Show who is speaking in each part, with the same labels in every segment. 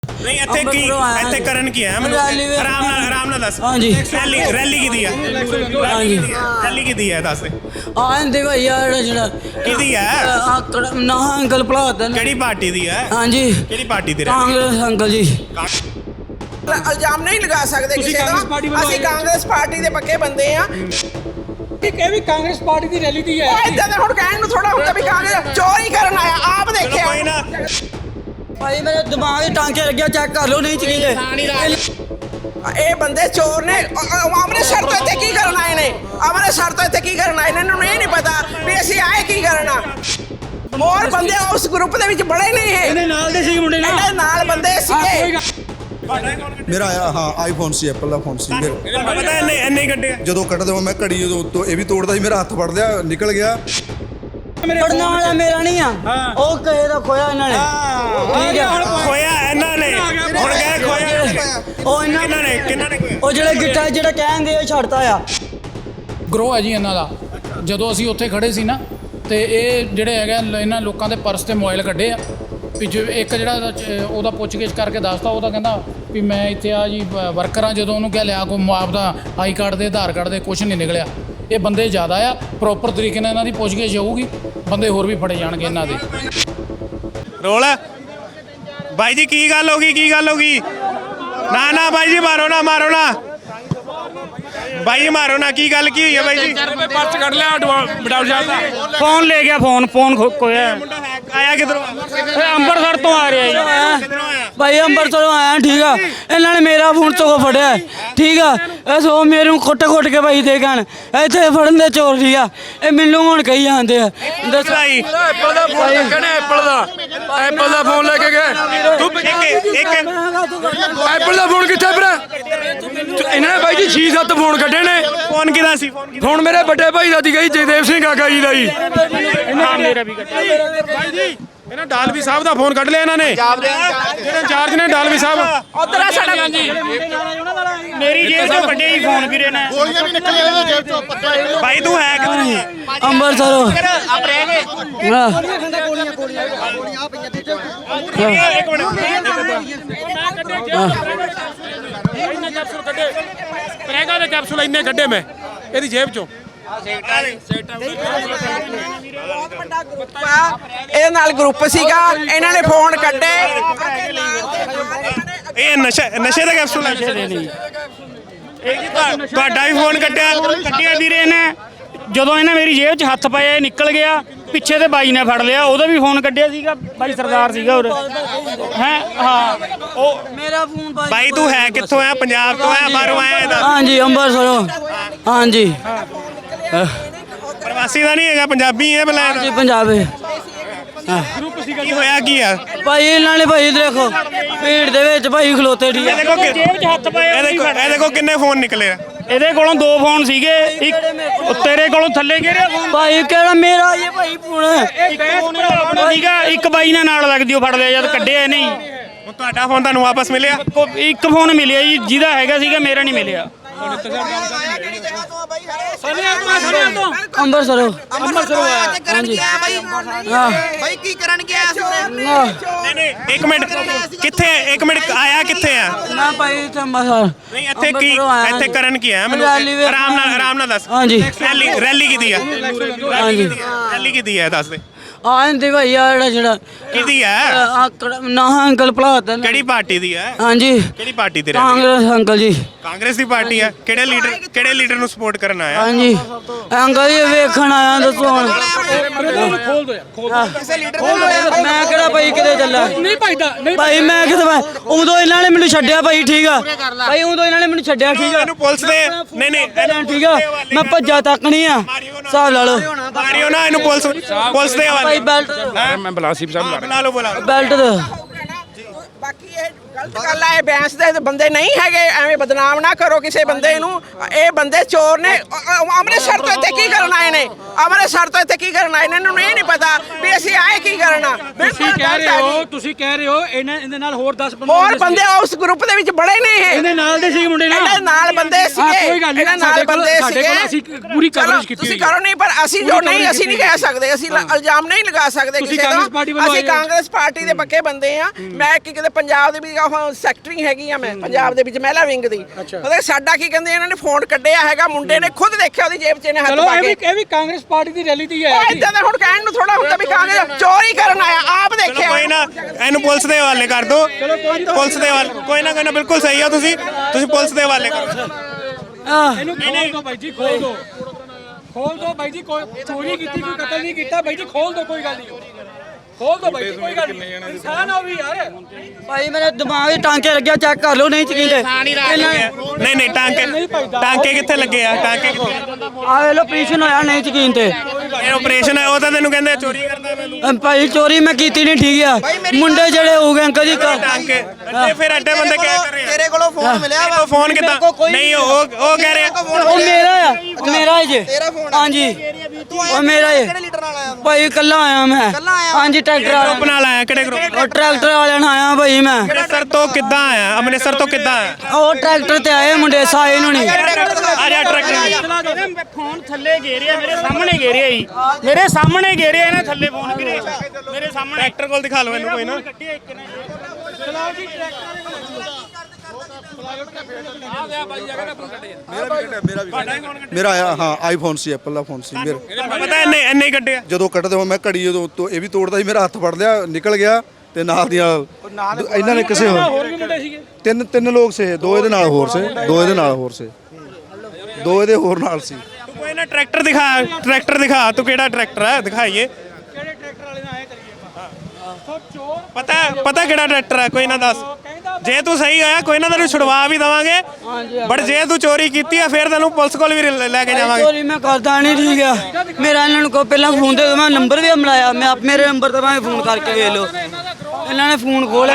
Speaker 1: नहीं ਇੱਥੇ ਕਰਨ ਕੀ ਹੈ ਮੈਨੂੰ ਆਰਾਮ ਨਾਲ ਦੱਸ।
Speaker 2: ਹਾਂਜੀ
Speaker 1: ਰੈਲੀ ਕੀਤੀ ਹੈ?
Speaker 2: ਹਾਂਜੀ
Speaker 1: ਰੈਲੀ ਕੀਤੀ ਹੈ ਦੱਸ।
Speaker 2: ਆਂਦੇ ਭਾਈ ਯਾਰ ਜਿਹੜਾ
Speaker 1: ਕਿਹਦੀ ਹੈ?
Speaker 2: ਨਾ ਅੰਕਲ ਭਲਾਤ
Speaker 1: ਕਿਹੜੀ ਪਾਰਟੀ ਦੀ ਹੈ?
Speaker 2: ਹਾਂਜੀ
Speaker 1: ਕਿਹੜੀ ਪਾਰਟੀ ਦੀ?
Speaker 2: ਕਾਂਗਰਸ ਅੰਕਲ ਜੀ।
Speaker 3: ਇਲਜ਼ਾਮ ਨਹੀਂ ਲਗਾ ਸਕਦੇ ਕਿਸੇ ਦਾ। ਅਸੀਂ ਕਾਂਗਰਸ ਪਾਰਟੀ ਦੇ ਪੱਕੇ ਬੰਦੇ ਆ।
Speaker 4: ਇਹ ਵੀ ਕਾਂਗਰਸ ਪਾਰਟੀ ਦੀ ਰੈਲੀ ਦੀ ਹੈ।
Speaker 3: ਇਦਾਂ ਦਾ ਹੁਣ ਕਹਿਣ ਨੂੰ ਥੋੜਾ ਹੁੰਦਾ ਵੀ ਕਾਂਗਰਸ ਚੋਰੀ ਕਰਨ ਆਇਆ। ਆਪ ਦੇਖਿਆ
Speaker 1: ਕੋਈ ਨਾ
Speaker 2: ਭਾਈ ਮੇਰੇ ਦਿਮਾਗ 'ਚ ਟਾਂਕੇ ਲੱਗਿਆ, ਚੈੱਕ ਕਰ ਲਓ ਨਹੀਂ ਚੀਲੇ।
Speaker 3: ਇਹ ਬੰਦੇ ਚੋਰ ਨੇ। ਅੰਮ੍ਰਿਤਸਰ ਤੋਂ ਇੱਥੇ ਕੀ ਕਰਨ ਆਏ ਨੇ? ਅੰਮ੍ਰਿਤਸਰ ਤੋਂ ਇੱਥੇ ਕੀ ਕਰਨ ਆਏ ਨੇ? ਇਹਨਾਂ ਨੂੰ ਇਹ ਨਹੀਂ ਪਤਾ ਵੀ ਅਸੀਂ ਆਏ ਕੀ ਕਰਨਾ। ਹੋਰ ਬੰਦੇ ਉਸ ਗਰੁੱਪ ਦੇ ਵਿੱਚ ਬੜੇ ਨਹੀਂ ਹੈ।
Speaker 4: ਇਹਦੇ ਨਾਲ ਦੇ ਸੀ ਮੁੰਡੇ
Speaker 3: ਇਹਦੇ ਨਾਲ ਬੰਦੇ ਸੀਗੇ।
Speaker 5: ਮੇਰਾ ਆਇਆ ਹਾਂ ਆਈਫੋਨ ਸੀ, ਐਪਲ ਦਾ ਫੋਨ ਸੀ ਮੇਰਾ।
Speaker 1: ਪਤਾ ਇੰਨੇ ਕੱਢੇ
Speaker 5: ਜਦੋਂ ਕੱਢਦੇ ਮੈਂ ਘੜੀ ਜਦੋਂ ਇਹ ਵੀ ਤੋੜਦਾ ਸੀ, ਮੇਰਾ ਹੱਥ ਫੜ ਲਿਆ ਨਿਕਲ ਗਿਆ।
Speaker 2: ਪੜਨਾ ਵਾਲਾ ਮੇਰਾ ਨਹੀਂ ਆ, ਉਹ ਕਹੇ ਦਾ ਖੋਇਆ ਇਹਨਾਂ ਨੇ। ਠੀਕ ਹੈ
Speaker 1: ਖੋਇਆ ਇਹਨਾਂ ਨੇ। ਹੁਣ ਕਹੇ ਖੋਇਆ
Speaker 2: ਉਹ
Speaker 1: ਕਿਹਨਾਂ ਨੇ
Speaker 2: ਉਹ ਜਿਹੜੇ ਗਿੱਟਾ ਜਿਹੜਾ ਕਹਿੰਦੇ ਉਹ ਛੱਡਤਾ ਆ।
Speaker 4: ਗਰੋ ਹੈ ਜੀ ਇਹਨਾਂ ਦਾ। ਜਦੋਂ ਅਸੀਂ ਉੱਥੇ ਖੜੇ ਸੀ ਨਾ ਤੇ ਇਹ ਜਿਹੜੇ ਹੈਗਾ ਇਹਨਾਂ ਲੋਕਾਂ ਦੇ ਪਰਸ ਤੇ ਮੋਬਾਈਲ ਕੱਢੇ ਆ। ਵੀ ਇੱਕ ਜਿਹੜਾ ਉਹਦਾ ਪੁੱਛਗਿੱਛ ਕਰਕੇ ਦੱਸਦਾ, ਉਹਦਾ ਕਹਿੰਦਾ ਵੀ ਮੈਂ ਇੱਥੇ ਆ ਜੀ ਵਰਕਰ ਆ। ਜਦੋਂ ਉਹਨੂੰ ਕਿਹਾ ਲਿਆ ਕੋਈ ਆਪਦਾ ਆਈ ਕਾਰਡ ਦੇ ਆਧਾਰ ਕਾਰਡ ਦੇ, ਕੁਛ ਨਹੀਂ ਨਿਕਲਿਆ। ਇਹ ਬੰਦੇ ਜ਼ਿਆਦਾ ਆ, ਪ੍ਰੋਪਰ ਤਰੀਕੇ ਨਾਲ ਇਹਨਾਂ ਦੀ ਪੁੱਛਗਿੱਛ ਹੋਊਗੀ, ਬੰਦੇ ਹੋਰ ਵੀ ਫੜੇ ਜਾਣਗੇ ਇਹਨਾਂ ਦੇ।
Speaker 1: ਰੋਲ ਬਾਈ ਜੀ ਕੀ ਗੱਲ ਹੋ ਗਈ? ਨਾ ਬਾਈ ਜੀ ਮਾਰੋ ਨਾ ਬਾਈ ਜੀ ਮਾਰੋ ਨਾ। ਕੀ ਗੱਲ ਕੀ ਹੋਈ ਹੈ ਬਾਈ ਜੀ?
Speaker 4: ਪਰਸ ਕੱਢ ਲਿਆ ਬਟਾਲ ਸਾਹਿਬ ਦਾ।
Speaker 6: ਫੋਨ ਲੈ ਗਿਆ, ਫੋਨ ਖੋਇਆ।
Speaker 1: ਆਇਆ ਕਿਧਰੋਂ?
Speaker 6: ਅੰਮ੍ਰਿਤਸਰ ਤੋਂ ਆ ਰਿਹਾ ਜੀ।
Speaker 2: ਭਾਈ ਅੰਮ੍ਰਿਤਸਰੋਂ ਆਇਆ। ਠੀਕ ਆ, ਇਹਨਾਂ ਨੇ ਮੇਰਾ ਫੋਨ ਤੋਂ ਫੜਿਆ। ਠੀਕ ਆ, ਇਹ ਸੋ ਮੇਰੇ ਖੁੱਟ ਕੇ ਭਾਈ ਦੇ ਗਣ ਇੱਥੇ ਫੜਨ ਦੇ ਚੋਰ। ਠੀਕ ਆ, ਇਹ ਮੈਨੂੰ ਹੁਣ ਕਹੀ ਜਾਂਦੇ ਆ। ਦੱਸੋ
Speaker 1: ਭਾਈ
Speaker 4: ਐਪਲ ਦਾ ਫੋਨ ਲੱਗਣਾ। ਐਪਲ ਦਾ ਫੋਨ ਲੈ ਕੇ ਗਏ।
Speaker 1: ਤੂੰ ਇੱਕ
Speaker 4: ਐਪਲ ਦਾ ਫੋਨ ਕਿੱਥੇ ਭਰਾ? ਇਹਨਾਂ ਨੇ ਬਾਈ ਜੀ 6-7 ਫੋਨ ਕੱਢੇ ਨੇ।
Speaker 1: ਫੋਨ ਕਿਹਦਾ ਸੀ?
Speaker 4: ਫੋਨ ਮੇਰੇ ਵੱਡੇ ਭਾਈ ਦਾ ਸੀਗਾ ਜੀ, ਜਗਦੇਵ ਸਿੰਘ ਕਾਕਾ ਜੀ ਦਾ ਜੀ।
Speaker 6: ਹਾਂ ਮੇਰਾ ਵੀ ਕੱਟਿਆ।
Speaker 1: ਬਾਈ ਜੀ ਇਹਨਾਂ ਡਾਲਵੀ ਸਾਹਿਬ ਦਾ ਫੋਨ ਕੱਢ ਲਿਆ ਇਹਨਾਂ ਨੇ, ਜਿਹੜੇ ਇੰਚਾਰਜ ਨੇ ਡਾਲਵੀ ਸਾਹਿਬ।
Speaker 3: ਉਧਰ ਆ ਸਾਡਾ
Speaker 6: ਮੇਰੀ ਜੇਬ ਤੋਂ ਵੱਡੇ ਹੀ ਫੋਨ ਵੀਰੇ ਨੇ।
Speaker 5: ਗੋਲੀਆਂ ਵੀ ਨਿਕਲੀਆਂ ਇਹਦੇ ਜੇਬ ਚੋਂ ਪੱਤਾ।
Speaker 1: ਬਾਈ ਤੂੰ ਹੈ ਕਿੱਥੋਂ?
Speaker 2: ਅੰਮ੍ਰਿਤਸਰੋਂ।
Speaker 1: ਇੱਕ
Speaker 4: ਕੈਪਸੂਲ ਕੱਢੇ, ਪ੍ਰੈਗਾ ਦੇ ਕੈਪਸੂਲ ਇੰਨੇ ਕੱਢੇ ਮੈਂ ਇਹਦੀ ਜੇਬ ਚੋਂ।
Speaker 3: ਇਹਦੇ ਨਾਲ ਗਰੁੱਪ ਸੀਗਾ, ਇਹਨਾਂ ਨੇ ਫੋਨ ਕੱਢੇ।
Speaker 1: ਇਹ ਨਸ਼ੇ ਦਾ ਕੈਪਸੂਲ ਹੈ। ਤੁਹਾਡਾ ਵੀ ਫੋਨ
Speaker 6: ਕੱਟਿਆ ਵੀਰੇ ਨੇ। ਜਦੋਂ ਇਹਨੇ ਮੇਰੀ ਜੇਬ 'ਚ ਹੱਥ ਪਾਇਆ, ਇਹ ਨਿਕਲ ਗਿਆ। ਪਿੱਛੇ ਤੇ ਬਾਈ ਨੇ ਫੜ ਲਿਆ, ਉਹਦਾ ਵੀ ਫੋਨ ਕੱਢਿਆ ਸੀਗਾ। ਬਾਈ ਸਰਦਾਰ ਸੀਗਾ ਉਰੇ ਹੈ। ਹਾਂ
Speaker 1: ਉਹ
Speaker 2: ਮੇਰਾ ਫੋਨ
Speaker 1: ਬਾਈ ਤੂੰ ਹੈ ਕਿੱਥੋਂ ਆ? ਪੰਜਾਬ ਤੋਂ ਆ? ਬਾਹਰੋਂ ਆਇਆ ਇਹਦਾ?
Speaker 2: ਹਾਂਜੀ ਅੰਮ੍ਰਿਤਸਰੋਂ। ਹਾਂਜੀ
Speaker 1: ਪ੍ਰਵਾਸੀ ਦਾ ਨਹੀਂ ਹੈਗਾ, ਪੰਜਾਬੀ ਹੈ ਬਲਾ।
Speaker 2: ਜੀ ਪੰਜਾਬ
Speaker 1: ਕੀ ਹੋਇਆ ਕੀ ਆ?
Speaker 2: ਭਾਈ ਇਹਨਾਂ ਨੇ ਭਾਈ ਦੇਖੋ ਭੀੜ ਦੇ ਵਿੱਚ ਭਾਈ ਖਲੋਤੇ। ਠੀਕ
Speaker 1: ਇਹ ਦੇਖੋ
Speaker 6: ਜੇਬ 'ਚ ਹੱਥ ਪਾਇਆ।
Speaker 1: ਇਹ ਦੇਖੋ ਕਿੰਨੇ ਫੋਨ ਨਿਕਲੇ ਆ।
Speaker 6: ਇਹਦੇ ਕੋਲੋਂ 2 ਫੋਨ ਸੀਗੇ, ਇੱਕ ਤੇਰੇ ਕੋਲੋਂ ਥੱਲੇ ਗਿਰਿਆ ਫੋਨ।
Speaker 2: ਭਾਈ ਕਿਹੜਾ ਮੇਰਾ ਇਹ ਭਾਈ ਫੋਨ
Speaker 6: ਇੱਕ ਫੋਨ ਸੀਗਾ, ਇੱਕ ਬਾਈ ਨੇ ਨਾਲ ਲੱਗਦੀ ਉਹ ਫੜ ਲਿਆ ਜਦ ਕੱਢਿਆ ਨਹੀਂ।
Speaker 1: ਹੁਣ ਤੁਹਾਡਾ ਫੋਨ ਤੁਹਾਨੂੰ ਵਾਪਸ ਮਿਲਿਆ?
Speaker 6: ਇੱਕ ਫੋਨ ਮਿਲਿਆ ਜੀ, ਜਿਹਦਾ ਹੈਗਾ ਸੀਗਾ, ਮੇਰਾ ਨਹੀਂ ਮਿਲਿਆ।
Speaker 2: ਅੰਮ੍ਰਿਤਸਰੋਂ।
Speaker 3: ਹਾਂਜੀ ਬਾਈ ਕੀ ਕਰਨ ਗਿਆ ਸੀ?
Speaker 1: ਨਹੀਂ ਇੱਕ ਮਿੰਟ ਇੱਕ ਮਿੰਟ ਆਇਆ ਕਿੱਥੇ ਆ?
Speaker 2: ਨਾ ਭਾਈ ਇੱਥੇ ਅੰਮ੍ਰਿਤਸਰ।
Speaker 1: ਨਹੀਂ ਇੱਥੇ ਕਰਨ ਕੀ ਹੈ ਮੈਨੂੰ ਆਰਾਮ ਨਾਲ ਦੱਸ।
Speaker 2: ਹਾਂਜੀ
Speaker 1: ਰੈਲੀ ਕੀਤੀ ਹੈ?
Speaker 2: ਹਾਂਜੀ
Speaker 1: ਰੈਲੀ ਕੀਤੀ ਹੈ ਦੱਸ ਦੇ।
Speaker 2: ਆਂਦੇ ਭਾਈ ਯਾਰ ਜਿਹੜਾ
Speaker 1: ਕਿਹਦੀ ਹੈ?
Speaker 2: ਨਾ ਅੰਕਲ ਭਲਾਤ।
Speaker 1: ਕਿਹੜੀ ਪਾਰਟੀ ਦੀ ਹੈ?
Speaker 2: ਹਾਂਜੀ
Speaker 1: ਕਿਹੜੀ ਪਾਰਟੀ ਦੀ?
Speaker 2: ਕਾਂਗਰਸ ਅੰਕਲ ਜੀ।
Speaker 1: ਕਾਂਗਰਸ ਦੀ ਪਾਰਟੀ ਹੈ। ਕਿਹੜੇ ਲੀਡਰ ਨੂੰ ਸਪੋਰਟ ਕਰਨ ਆਇਆ?
Speaker 2: ਹਾਂਜੀ ਅੰਕਲ ਜੀ ਵੇਖਣ ਆਇਆ। ਦੱਸੋ ਹੁਣ ਮੈਂ ਕਿਹੜਾ ਭਾਈ ਕਿਤੇ ਚੱਲਾ?
Speaker 4: ਨਹੀਂ ਭਾਈਦਾ ਨਹੀਂ
Speaker 2: ਭਾਈ ਮੈਂ ਕਿਤੇ ਉਦੋਂ ਇਹਨਾਂ ਨੇ ਮੈਨੂੰ ਛੱਡਿਆ ਭਾਈ। ਠੀਕ ਆ ਭਾਈ, ਉਦੋਂ ਇਹਨਾਂ ਨੇ ਮੈਨੂੰ ਛੱਡਿਆ। ਠੀਕ ਆ
Speaker 1: ਇਹਨੂੰ ਪੁਲਿਸ ਦੇ ਨਹੀਂ
Speaker 2: ਠੀਕ ਆ, ਮੈਂ ਭੱਜਾ ਤੱਕ ਨਹੀਂ ਆ। ਹਿਸਾਬ ਲਾ ਲਓ
Speaker 1: ਮਾਰਿਓ ਨਾ ਇਹਨੂੰ ਪੁਲਿਸ ਦੇ ਹਵਾਲੇ।
Speaker 2: ਭਾਈ ਬੈਲਟ
Speaker 4: ਮੈਂ ਬਲਾਸੀਬ ਸਾਹਿਬ
Speaker 1: ਬੁਲਾ ਲਓ
Speaker 2: ਬੈਲਟ ਦੇ।
Speaker 3: ਬਾਕੀ ਇਹ ਗਲਤ ਗੱਲ ਹੈ। ਇਹ ਬੈਂਸ ਦੇ ਬੰਦੇ ਨਹੀਂ ਹੈਗੇ, ਐਵੇਂ ਬਦਨਾਮ ਨਾ ਕਰੋ ਕਿਸੇ ਬੰਦੇ ਨੂੰ। ਇਹ ਬੰਦੇ ਚੋਰ ਨੇ। ਅੰਮ੍ਰਿਤਸਰ ਤੋਂ ਇੱਥੇ ਕੀ ਕਰਨ ਆਏ ਨੇ? ਅੰਮ੍ਰਿਤਸਰ ਤੋਂ ਇੱਥੇ ਕੀ ਕਰਨ ਆਏ ਨੇ? ਇਹਨਾਂ ਨੂੰ ਇਹ ਨਹੀਂ ਪਤਾ ਵੀ ਅਸੀਂ ਆਏ ਕੀ ਕਰਨਾ।
Speaker 7: ਤੁਸੀਂ ਕਹਿ ਰਹੇ ਹੋ ਇਹਦੇ ਨਾਲ ਹੋਰ 10 ਬੰਦੇ
Speaker 3: ਹੋਰ ਬੰਦੇ ਉਸ ਗਰੁੱਪ ਦੇ ਵਿੱਚ ਬੜੇ ਨੇ ਇਹ।
Speaker 7: ਇਹਦੇ ਨਾਲ ਦੇ ਸੀ ਮੁੰਡੇ
Speaker 3: ਇਹਦੇ ਨਾਲ ਬੰਦੇ ਸੀਗੇ।
Speaker 7: ਕੋਈ ਗੱਲ ਨਹੀਂ,
Speaker 3: ਇਹਦੇ ਨਾਲ ਬੰਦੇ
Speaker 7: ਸਾਡੇ ਕੋਲ ਅਸੀਂ ਪੂਰੀ ਕਵਰੇਜ ਕੀਤੀ
Speaker 3: ਤੁਸੀਂ ਕਰੋ ਨਹੀਂ, ਪਰ ਅਸੀਂ ਜੋ ਨਹੀਂ ਅਸੀਂ ਨਹੀਂ ਕਹਿ ਸਕਦੇ, ਅਸੀਂ ਇਲਜ਼ਾਮ ਨਹੀਂ ਲਗਾ ਸਕਦੇ ਕਿਸੇ ਦਾ। ਅਸੀਂ ਕਾਂਗਰਸ ਪਾਰਟੀ ਦੇ ਪੱਕੇ ਬੰਦੇ ਆ। ਮੈਂ ਕੀ ਕਹਿੰਦੇ ਪੰਜਾਬ ਦੇ ਵਿੱਚ ਸੈਕਟਰੀ ਹੈਗੀ ਆ, ਮੈਂ ਪੰਜਾਬ ਦੇ ਵਿੱਚ ਮਹਿਲਾ ਵਿੰਗ ਦੀ। ਮਤਲਬ ਸਾਡਾ ਕੀ ਕਹਿੰਦੇ ਇਹਨਾਂ ਨੇ ਫੋਨ ਕੱਢਿਆ ਹੈਗਾ, ਮੁੰਡੇ ਨੇ ਖੁਦ ਦੇਖਿਆ ਉਹਦੀ ਜੇਬ 'ਚ ਇਹਨੇ ਹੱਥ ਪਾ ਕੇ।
Speaker 7: ਇਹ ਵੀ ਕਾਂਗਰਸ ਪਾਰਟੀ ਦੀ ਰੈਲੀ ਦੀ ਹੈ।
Speaker 3: ਇਦਾਂ ਦਾ ਹੁਣ ਕਹਿਣ ਨੂੰ ਥੋੜਾ ਹੁੰਦਾ ਵੀ ਕਾਂਗਰਸ ਚੋਰੀ ਕਰਨ ਆਇਆ, ਆਪ ਦੇਖਿਆ।
Speaker 1: ਕੋਈ ਨਾ, ਇਹਨੂੰ ਪੁਲਿਸ ਦੇ ਹਵਾਲੇ ਕਰ ਦਿਓ। ਪੁਲਿਸ ਦੇ ਹਵਾਲੇ, ਕੋਈ ਨਾ ਬਿਲਕੁਲ ਸਹੀ ਆ। ਤੁਸੀਂ ਪੁਲਿਸ ਦੇ ਹਵਾਲੇ ਕਰੋ।
Speaker 7: ਇਹਨੂੰ ਖੋਲ ਦੋ ਬਾਈ ਜੀ, ਖੋਲ ਦੋ ਬਾਈ ਜੀ। ਕੋਈ ਚੋਰੀ ਕੀਤੀ, ਕੋਈ ਕਤਲ ਨਹੀਂ ਕੀਤਾ ਬਾਈ ਜੀ, ਖੋਲ ਦੋ, ਕੋਈ ਗੱਲ ਨਹੀਂ। ਖੋਲ ਦੋ ਬਾਈ ਜੀ, ਕੋਈ ਗੱਲ ਨਹੀਂ। ਇਨਸਾਨ ਹੋ ਵੀ ਯਾਰ।
Speaker 2: ਭਾਈ ਮੇਰੇ ਦਿਮਾਗ 'ਚ ਟਾਂਕੇ ਲੱਗਿਆ, ਚੈੱਕ ਕਰ ਲਓ। ਨਹੀਂ ਚਕੀਂਦੇ
Speaker 1: ਨਹੀਂ ਟਾਂਕੇ ਕਿੱਥੇ ਲੱਗੇ ਆ? ਟਾਂਕੇ ਕਿੱਥੇ?
Speaker 2: ਆ ਵੇ ਲੋ ਆਪਰੇਸ਼ਨ ਹੋਇਆ, ਨਹੀਂ ਚਕੀਨ ਤੇ।
Speaker 1: ਇਹ ਆਪਰੇਸ਼ਨ ਹੈ, ਉਹ ਤਾਂ ਤੈਨੂੰ ਕਹਿੰਦੇ ਚੋਰੀ ਕਰਦਾ ਮੈਨੂੰ।
Speaker 2: ਭਾਈ ਚੋਰੀ ਮੈਂ ਕੀਤੀ ਨਹੀਂ, ਠੀਕ ਆ। ਮੁੰਡੇ ਜਿਹੜੇ ਹੋ ਗਏ ਅੰਕਲ ਜੀ
Speaker 1: ਟਾਂਕੇ ਅੱਡੇ, ਫਿਰ ਅੱਡੇ ਬੰਦੇ ਕਹਿ ਕਰ ਰਹੇ ਆ
Speaker 5: ਤੇਰੇ ਕੋਲੋਂ ਫੋਨ ਮਿਲਿਆ ਵਾ?
Speaker 1: ਫੋਨ ਕਿੱਦਾਂ? ਨਹੀਂ ਉਹ ਕਹਿ ਰਹੇ
Speaker 2: ਉਹ ਮੇਰਾ ਆ, ਮੇਰਾ ਜੇ। ਹਾਂਜੀ ਉਹ ਮੇਰਾ ਏ।
Speaker 5: ਕਿਹੜੇ ਲੀਡਰ ਨਾਲ ਆਇਆ?
Speaker 2: ਭਾਈ ਕੱਲਾ ਆਇਆ ਮੈਂ। ਹਾਂਜੀ ਟਰੈਕਟਰ
Speaker 1: ਗਰੁੱਪ
Speaker 2: ਵਾਲਾ
Speaker 1: ਨਾਲ ਆਇਆ। ਕਿਹੜੇ ਗਰੁੱਪ?
Speaker 2: ਉਹ ਟਰੈਕਟਰ ਵਾਲਿਆਂ ਨਾਲ ਆਇਆ ਭਾਈ ਮੈਂ।
Speaker 1: ਅੰਮ੍ਰਿਤਸਰ ਤੋਂ ਕਿੱਦਾਂ ਆਇਆ? ਅੰਮ੍ਰਿਤਸਰ ਤੋਂ ਕਿੱਦਾਂ ਆਇਆ?
Speaker 2: ਉਹ ਟਰੈਕਟਰ ਤੇ ਆਏ ਮੁੰਡੇ ਸਾਏ ਨੂੰ ਨਹੀਂ।
Speaker 1: ਆ ਜਾ ਟਰੈਕਟਰ।
Speaker 6: ਫੋਨ ਥੱਲੇ ਗੇਰਿਆ, ਮੇਰੇ ਸਾਹਮਣੇ ਗੇਰਿਆ ਜੀ, ਮੇਰੇ ਸਾਹਮਣੇ ਗੇਰਿਆ ਇਹਨੇ ਥੱਲੇ ਫੋਨ ਵੀਰੇ, ਮੇਰੇ ਸਾਹਮਣੇ।
Speaker 1: ਟਰੈਕਟਰ ਕੋਲ ਦਿਖਾ ਲਓ ਇਹਨੂੰ ਕੋਈ ਨਾ।
Speaker 5: ਮੇਰਾ ਆਇਆ, ਹਾਂ ਆਈਫੋਨ ਸੀ, ਐਪਲ ਦਾ ਫੋਨ ਸੀ ਮੇਰਾ।
Speaker 1: ਪਤਾ ਇੰਨੇ ਹੀ ਕੱਢਿਆ।
Speaker 5: ਜਦੋਂ ਕੱਢਦੇ ਹੋ ਮੈਂ ਘੜੀ ਜਦੋਂ ਤੋਂ ਇਹ ਵੀ ਤੋੜਦਾ ਸੀ, ਮੇਰਾ ਹੱਥ ਫੜ ਲਿਆ, ਨਿਕਲ ਗਿਆ ਤੇ ਨਾਲ ਦੀਆਂ ਇਹਨਾਂ ਨੇ ਕਿਸੇ
Speaker 7: ਹੋਰ ਵੀ ਮੁੰਡੇ ਸੀਗੇ।
Speaker 5: ਤਿੰਨ ਲੋਕ ਸੀ, ਦੋ ਇਹਦੇ ਨਾਲ ਹੋਰ ਸੀ, ਦੋ ਇਹਦੇ ਹੋਰ ਨਾਲ ਸੀ।
Speaker 1: ਤੂੰ ਕੋਈ ਨਾ ਟਰੈਕਟਰ ਦਿਖਾ। ਤੂੰ ਕਿਹੜਾ ਟਰੈਕਟਰ ਹੈ? ਦਿਖਾਈਏ।
Speaker 7: ਕਿਹੜੇ ਟਰੈਕਟਰ ਵਾਲੇ ਨਾਲ ਆਏ ਕਰੀਏ ਸੋ ਚੋਰ।
Speaker 1: ਪਤਾ ਕਿਹੜਾ ਟਰੈਕਟਰ ਹੈ? ਕੋਈ ਨਾ ਦੱਸ। ਜੇ ਤੂੰ ਸਹੀ ਆਇਆ ਕੋਈ ਨਾ, ਤੈਨੂੰ ਛੁਡਵਾ ਵੀ ਦਵਾਂਗੇ। ਬਟ ਜੇ ਤੂੰ ਚੋਰੀ ਕੀਤੀ ਆ ਫਿਰ ਤੈਨੂੰ ਪੁਲਿਸ ਕੋਲ ਵੀ ਲੈ ਕੇ ਜਾਵਾਂਗੇ।
Speaker 2: ਚੋਰੀ ਮੈਂ ਕਰਦਾ ਨਹੀਂ, ਠੀਕ ਆ। ਮੇਰਾ ਇਹਨਾਂ ਨੂੰ ਕੋ ਪਹਿਲਾਂ ਫੋਨ ਦੇ ਦਿਓ, ਮੈਂ ਨੰਬਰ ਵੀ ਮਿਲਾਇਆ। ਮੈਂ ਮੇਰੇ ਨੰਬਰ ਤੇ ਮੈਂ ਫੋਨ ਕਰਕੇ ਵੇਖ ਲਓ। ਇਹਨਾਂ ਨੇ ਫੋਨ ਖੋਲਿਆ।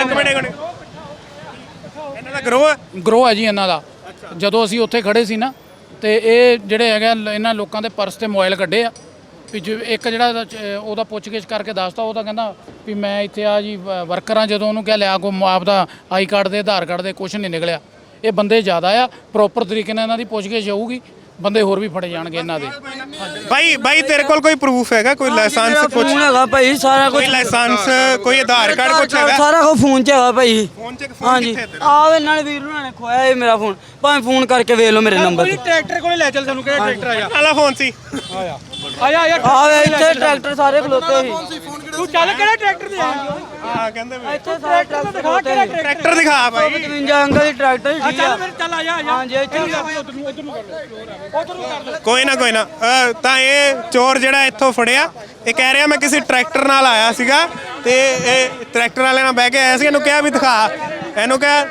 Speaker 1: ਇਹਨਾਂ ਦਾ ਗਰੋਹ
Speaker 4: ਹੈ ਜੀ ਇਹਨਾਂ ਦਾ। ਜਦੋਂ ਅਸੀਂ ਉੱਥੇ ਖੜੇ ਸੀ ਨਾ, ਤੇ ਇਹ ਜਿਹੜੇ ਹੈਗਾ ਇਹਨਾਂ ਲੋਕਾਂ ਦੇ ਪਰਸ ਤੇ ਮੋਬਾਈਲ ਕੱਢੇ ਆ। ਵੀ ਇੱਕ ਜਿਹੜਾ ਉਹਦਾ ਪੁੱਛਗਿੱਛ ਕਰਕੇ ਦੱਸਦਾ, ਉਹ ਤਾਂ ਕਹਿੰਦਾ ਵੀ ਮੈਂ ਇੱਥੇ ਆ ਜੀ ਵਰਕਰ ਆ। ਜਦੋਂ ਉਹਨੂੰ ਕਿਹਾ ਲਿਆ ਕੋ ਆਪਦਾ ਆਈ ਕਾਰਡ ਦੇ, ਆਧਾਰ ਕਾਰਡ ਦੇ, ਕੁਝ ਨਹੀਂ ਨਿਕਲਿਆ। ਇਹ ਬੰਦੇ ਜ਼ਿਆਦਾ ਆ, ਪ੍ਰੋਪਰ ਤਰੀਕੇ ਨਾਲ ਇਹਨਾਂ ਦੀ ਪੁੱਛਗਿੱਛ ਹੋਊਗੀ, ਬੰਦੇ ਹੋਰ ਵੀ ਫੜੇ ਜਾਣਗੇ ਇਹਨਾਂ ਦੇ।
Speaker 1: ਬਾਈ ਤੇਰੇ ਕੋਲ ਕੋਈ ਪ੍ਰੂਫ ਹੈਗਾ? ਕੋਈ ਲਾਇਸੈਂਸ? ਕੁਝ
Speaker 2: ਫੋਨ ਹੈਗਾ ਭਾਈ, ਸਾਰਾ ਕੁਝ।
Speaker 1: ਕੋਈ ਲਾਇਸੈਂਸ, ਕੋਈ ਆਧਾਰ ਕਾਰਡ, ਕੁਝ ਹੈਗਾ?
Speaker 2: ਸਾਰਾ ਕੁਝ ਫੋਨ 'ਚ ਹੈਗਾ ਭਾਈ।
Speaker 1: ਫੋਨ 'ਚ
Speaker 2: ਹਾਂਜੀ ਆਹ ਨਾਲ ਵੀਰ ਉਹਨਾਂ ਨੇ ਖੋਇਆ ਇਹ ਮੇਰਾ ਫੋਨ। ਭਾਵੇਂ ਫੋਨ ਕਰਕੇ ਵੇਖ ਲਓ ਮੇਰੇ ਨੰਬਰ ਤੇ।
Speaker 7: ਟਰੈਕਟਰ ਕੋਲੇ ਲੈ ਚੱਲ, ਸਾਨੂੰ ਕਿਹੜਾ ਟਰੈਕਟਰ ਆਇਆ?
Speaker 1: ਆਲਾ ਫੋਨ ਸੀ।
Speaker 7: ਆਇਆ
Speaker 2: ਆਹ ਵੇ ਇੱਥੇ ਟਰੈਕਟਰ ਸਾਰੇ ਖਲੋਤੇ ਸੀ।
Speaker 7: ਤੂੰ ਚੱਲ ਕਿਹੜਾ ਟਰੈਕਟਰ ਤੇ ਆਇਆ?
Speaker 1: ਹਾਂ ਕਹਿੰਦੇ ਵੀ
Speaker 2: ਇੱਥੇ ਸਾਰੇ ਟਰੈਕਟਰ ਖਲੋਤੇ ਸੀ।
Speaker 1: ਟਰੈਕਟਰ ਦਿਖਾ ਬਾਈ।
Speaker 2: 55 ਅੰਕਲ ਦੀ ਟਰੈਕਟਰ ਸੀ, ਠੀਕ ਆ।
Speaker 7: ਚੱਲ ਆ ਜਾ।
Speaker 2: ਹਾਂਜੀ ਇੱਥੇ
Speaker 7: ਉਧਰ ਨੂੰ ਕਰ ਲਓ।
Speaker 1: ਕੋਈ ਨਾ ਤਾਂ ਇਹ ਚੋਰ ਜਿਹੜਾ ਇੱਥੋਂ ਫੜਿਆ, ਇਹ ਕਹਿ ਰਿਹਾ ਮੈਂ ਕਿਸੇ ਟਰੈਕਟਰ ਨਾਲ ਆਇਆ ਸੀਗਾ ਤੇ ਇਹ ਟਰੈਕਟਰ ਵਾਲੇ ਨਾਲ ਬਹਿ ਕੇ ਆਇਆ ਸੀ। ਇਹਨੂੰ ਕਿਹਾ ਵੀ ਦਿਖਾ, ਇਹਨੂੰ ਕਿਹਾ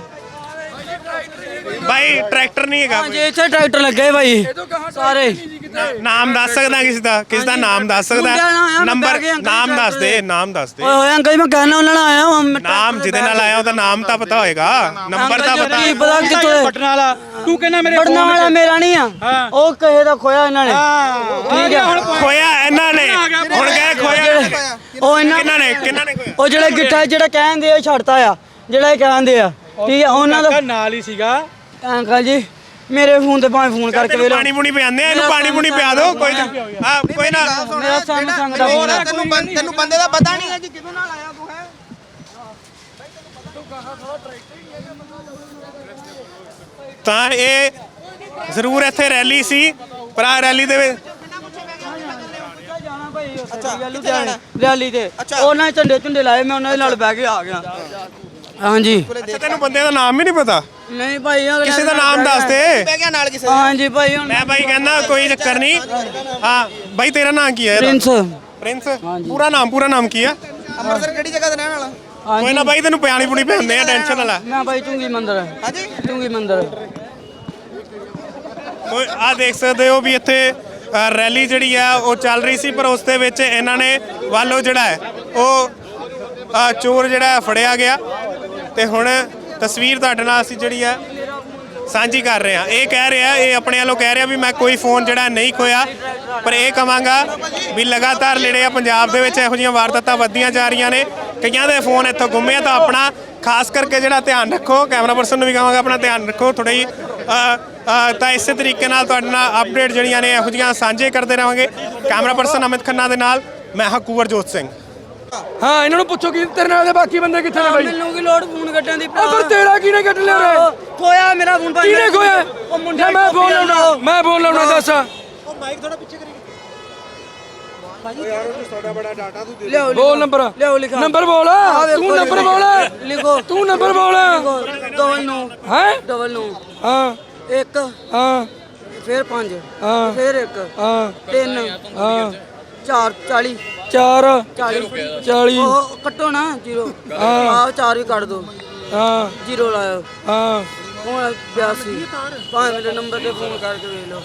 Speaker 1: ਬਾਈ ਟਰੈਕਟਰ ਨਹੀਂ ਹੈਗਾ।
Speaker 2: ਹਾਂਜੀ ਇੱਥੇ ਟਰੈਕਟਰ ਲੱਗੇ ਭਾਈ ਸਾਰੇ।
Speaker 1: ਨਾਮ ਦੱਸ ਸਕਦਾ ਕਿਸ ਦਾ ਨਾਮ ਦੱਸ ਸਕਦਾ? ਨੰਬਰ ਨਾਮ ਦੱਸ ਦੇ।
Speaker 2: ਓਏ ਹੋਏ ਅੰਕਲ ਮੈਂ ਕਹਿਣਾ ਉਹਨਾਂ ਨਾਲ ਆਇਆ ਹਾਂ।
Speaker 1: ਨਾਮ ਜਿਹਦੇ ਨਾਲ ਆਇਆ ਉਹਦਾ ਨਾਮ ਤਾਂ ਪਤਾ ਹੋਏਗਾ, ਨੰਬਰ ਤਾਂ ਪਤਾ।
Speaker 2: ਕੀ ਪਤਾ ਕਿੱਥੋਂ
Speaker 7: ਬਟਨ ਵਾਲਾ ਤੂੰ ਕਹਿੰਦਾ ਮੇਰੇ
Speaker 2: ਬਟਨਾਂ ਵਾਲਾ ਮੇਰਾ ਨਹੀਂ ਆ, ਉਹ ਕਿਸੇ ਦਾ ਖੋਇਆ ਇਹਨਾਂ ਨੇ। ਠੀਕ ਆ,
Speaker 1: ਖੋਇਆ ਇਹਨਾਂ ਨੇ। ਹੁਣ ਕਹੇ ਖੋਇਆ
Speaker 2: ਉਹ ਇਹਨਾਂ
Speaker 1: ਕਿਹਨਾਂ ਨੇ ਖੋਇਆ?
Speaker 2: ਉਹ ਜਿਹੜੇ ਗਿੱਟਾ ਜਿਹੜਾ ਕਹਿੰਦੇ ਆ ਛੱਡਤਾ ਆ, ਜਿਹੜਾ ਇਹ ਕਹਿੰਦੇ ਆ, ਠੀਕ ਆ। ਉਹਨਾਂ ਦਾ
Speaker 7: ਨਾਲ ਹੀ ਸੀਗਾ
Speaker 2: ਅੰਕਲ ਜੀ ਮੇਰੇ ਫੋਨ ਤੇ ਭਾਵੇਂ ਫੋਨ ਕਰਕੇ ਵੇਖ ਲਓ।
Speaker 1: ਪਾਣੀ ਪੂਣੀ ਪਿਆਉਂਦੇ ਆ, ਇਹਨੂੰ ਪਾਣੀ ਪੂਣੀ ਪਿਆ ਦਿਓ। ਕੋਈ ਨਾ ਕੋਈ ਨਾ।
Speaker 2: ਮੇਰਾ ਸੈਮਸੰਗ ਦਾ ਫੋਨ ਆ।
Speaker 5: ਤੈਨੂੰ ਬੰਦੇ ਦਾ ਪਤਾ ਨਹੀਂ ਹੈ ਜੀ ਕਿਹਦੇ ਨਾਲ ਆਇਆ ਤੂੰ ਹੈ?
Speaker 1: ਤਾਂ ਇਹ ਜ਼ਰੂਰ ਇੱਥੇ ਰੈਲੀ ਸੀ, ਪਰ ਆ ਰੈਲੀ ਦੇ ਵਿੱਚ
Speaker 2: ਰੈਲੀ ਤੇ ਉਹਨਾਂ ਝੰਡੇ ਲਾਏ, ਮੈਂ ਉਹਨਾਂ ਦੇ ਨਾਲ ਬਹਿ ਕੇ ਆ ਗਿਆ। ਹਾਂਜੀ
Speaker 1: ਤੈਨੂੰ ਬੰਦੇ ਦਾ ਨਾਮ ਹੀ ਨਹੀਂ ਪਤਾ?
Speaker 2: ਨਹੀਂ ਭਾਈ
Speaker 1: ਕਿਸੇ ਦਾ ਨਾਮ ਦੱਸ ਦੇ।
Speaker 2: ਹਾਂਜੀ ਭਾਈ ਹੁਣ
Speaker 1: ਮੈਂ ਭਾਈ ਕਹਿੰਦਾ ਕੋਈ ਚੱਕਰ ਨਹੀਂ। ਹਾਂ ਭਾਈ ਤੇਰਾ ਨਾਮ ਕੀ ਹੈ? ਪ੍ਰਿੰਸ। ਪੂਰਾ ਨਾਮ ਕੀ ਆ?
Speaker 5: ਅੰਮ੍ਰਿਤਸਰ ਕਿਹੜੀ ਜਗ੍ਹਾ ਤੇ ਰਹਿਣ ਵਾਲਾ?
Speaker 1: ਕੋਈ ਨਾ ਭਾਈ ਤੈਨੂੰ ਪਿਆਣੀ ਪੁਣੀ ਪਿਆਉਂਦੇ ਆ, ਟੈਨਸ਼ਨ ਨਾ ਲੈ।
Speaker 2: ਮੈਂ ਭਾਈ ਚੁੰਗੀ ਮੰਦਰ। ਹਾਂਜੀ ਚੁੰਗੀ ਮੰਦਰ।
Speaker 1: ਕੋਈ ਆ ਦੇਖ ਸਕਦੇ ਹੋ ਵੀ ਇੱਥੇ ਰੈਲੀ ਜਿਹੜੀ ਆ ਉਹ ਚੱਲ ਰਹੀ ਸੀ, ਪਰ ਉਸ ਦੇ ਵਿੱਚ ਇਹਨਾਂ ਨੇ ਵੱਲੋਂ ਜਿਹੜਾ ਹੈ ਉਹ ਚੋਰ ਜਿਹੜਾ ਫੜਿਆ ਗਿਆ। ਤੇ ਹੁਣ ਤਸਵੀਰ ਤੁਹਾਡੇ ਨਾਲ ਅਸੀਂ ਜਿਹੜੀ ਆ ਸਾਂਝੀ ਕਰ ਰਹੇ ਹਾਂ। ਇਹ ਕਹਿ ਰਿਹਾ, ਇਹ ਆਪਣੇ ਵੱਲੋਂ ਕਹਿ ਰਿਹਾ ਵੀ ਮੈਂ ਕੋਈ ਫੋਨ ਜਿਹੜਾ ਨਹੀਂ ਖੋਇਆ, ਪਰ ਇਹ ਕਹਾਂਗਾ ਵੀ ਲਗਾਤਾਰ ਜਿਹੜੇ ਆ ਪੰਜਾਬ ਦੇ ਵਿੱਚ ਇਹੋ ਜਿਹੀਆਂ ਵਾਰਦਾਤਾਂ ਵੱਧਦੀਆਂ ਜਾ ਰਹੀਆਂ ਨੇ, ਕਈਆਂ ਦੇ ਫੋਨ ਇੱਥੋਂ ਗੁੰਮੇ ਆ। ਤਾਂ ਆਪਣਾ ਖਾਸ ਕਰਕੇ ਜਿਹੜਾ ਧਿਆਨ ਰੱਖੋ, ਕੈਮਰਾ ਪਰਸਨ ਨੂੰ ਵੀ ਕਹਾਂਗਾ ਆਪਣਾ ਧਿਆਨ ਰੱਖੋ ਥੋੜ੍ਹਾ ਹੀ। ਤਾਂ ਇਸੇ ਤਰੀਕੇ ਨਾਲ ਤੁਹਾਡੇ ਨਾਲ ਅਪਡੇਟ ਜਿਹੜੀਆਂ ਨੇ ਇਹੋ ਜਿਹੀਆਂ ਸਾਂਝੇ ਕਰਦੇ ਰਹਾਂਗੇ। ਕੈਮਰਾ ਪਰਸਨ ਅਮਿਤ ਖੰਨਾ ਦੇ ਨਾਲ ਮੈਂ ਹਾਂ ਕੁਵਰਜੋਤ ਸਿੰਘ।
Speaker 7: ਹਾਂ ਇਹਨਾਂ ਨੂੰ ਪੁੱਛੋ ਕਿ ਤੇਰੇ ਨਾਲ ਦੇ ਬਾਕੀ ਬੰਦੇ ਕਿੱਥੇ ਨੇ ਬਾਈ?
Speaker 2: ਮੈਨੂੰ ਕੀ ਲੋੜ ਫੋਨ ਕੱਟਣ ਦੀ
Speaker 7: ਉਹ ਫਿਰ ਤੇਰਾ ਕਿਹਨੇ ਕੱਟ ਲਿਆ ਰੇ?
Speaker 2: ਖੋਇਆ ਮੇਰਾ ਫੋਨ ਭਾਈ।
Speaker 7: ਕਿਹਨੇ ਖੋਇਆ?
Speaker 2: ਉਹ ਮੁੰਡਾ
Speaker 7: ਮੈਂ ਫੋਨ ਲਾਉਣਾ, ਮੈਂ ਫੋਨ ਲਾਉਣਾ ਦੱਸ।
Speaker 2: ਲਿਆਓ
Speaker 7: ਬੋਲ ਨੰਬਰ,
Speaker 2: ਲਿਆਓ ਲਿਖਾ
Speaker 7: ਨੰਬਰ ਬੋਲ, ਤੂੰ ਨੰਬਰ ਬੋਲ,
Speaker 2: ਲਿਖੋ,
Speaker 7: ਤੂੰ ਨੰਬਰ ਬੋਲ।
Speaker 2: ਡਬਲ 9
Speaker 7: ਹੈ
Speaker 2: ਡਬਲ 9
Speaker 7: ਹਾਂ
Speaker 2: 1
Speaker 7: ਹਾਂ
Speaker 2: ਫਿਰ 5
Speaker 7: ਹਾਂ
Speaker 2: ਫਿਰ 1
Speaker 7: ਹਾਂ
Speaker 2: 3
Speaker 7: ਹਾਂ
Speaker 2: 4 40
Speaker 7: 4
Speaker 2: 40
Speaker 7: 40
Speaker 2: ਉਹ ਕੱਟੋ ਨਾ 0
Speaker 7: ਹਾਂ
Speaker 2: ਆਹ 4 ਵੀ ਕੱਢ ਦੋ,
Speaker 7: ਹਾਂ
Speaker 2: 0 ਲਾਇਓ।
Speaker 7: ਹਾਂ
Speaker 2: ਹੁਣ 82 ਭਾਵੇਂ ਮੇਰੇ ਨੰਬਰ ਤੇ ਫੋਨ ਕਰਕੇ ਵੇਖ ਲਓ।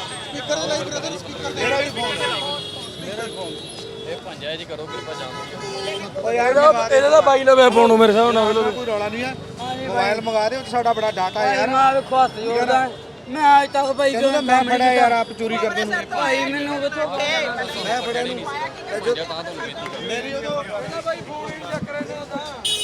Speaker 7: ਇਹਦਾ ਤਾਂ ਬਾਈ ਲਵੇ ਫੋਨ ਮੇਰੇ ਹਿਸਾਬ ਨਾਲ।
Speaker 5: ਕੋਈ ਰੌਲਾ ਨਹੀਂ ਆ, ਮੋਬਾਈਲ ਮੰਗਾ ਦੇ, ਸਾਡਾ ਬੜਾ ਡਾਟਾ ਯਾਰ।
Speaker 2: ਮੈਂ ਵੇਖੋ ਹੱਥ ਜੋੜਦਾ, ਮੈਂ ਅੱਜ ਤੱਕ ਭਾਈ
Speaker 5: ਤੈਨੂੰ ਮੈਂ ਫੜਿਆ ਯਾਰ, ਆਪ ਚੋਰੀ ਕਰਦੇ ਨੂੰ।
Speaker 2: ਭਾਈ ਮੈਨੂੰ ਕਿਥੋਂ
Speaker 5: ਮੈਂ ਫੜਿਆ ਨੂੰ।
Speaker 7: ਮੇਰੀ ਉਦੋਂ ਬਾਈ ਫੋਨ ਹੀ ਚੱਕ ਰਹੇ ਨੇ।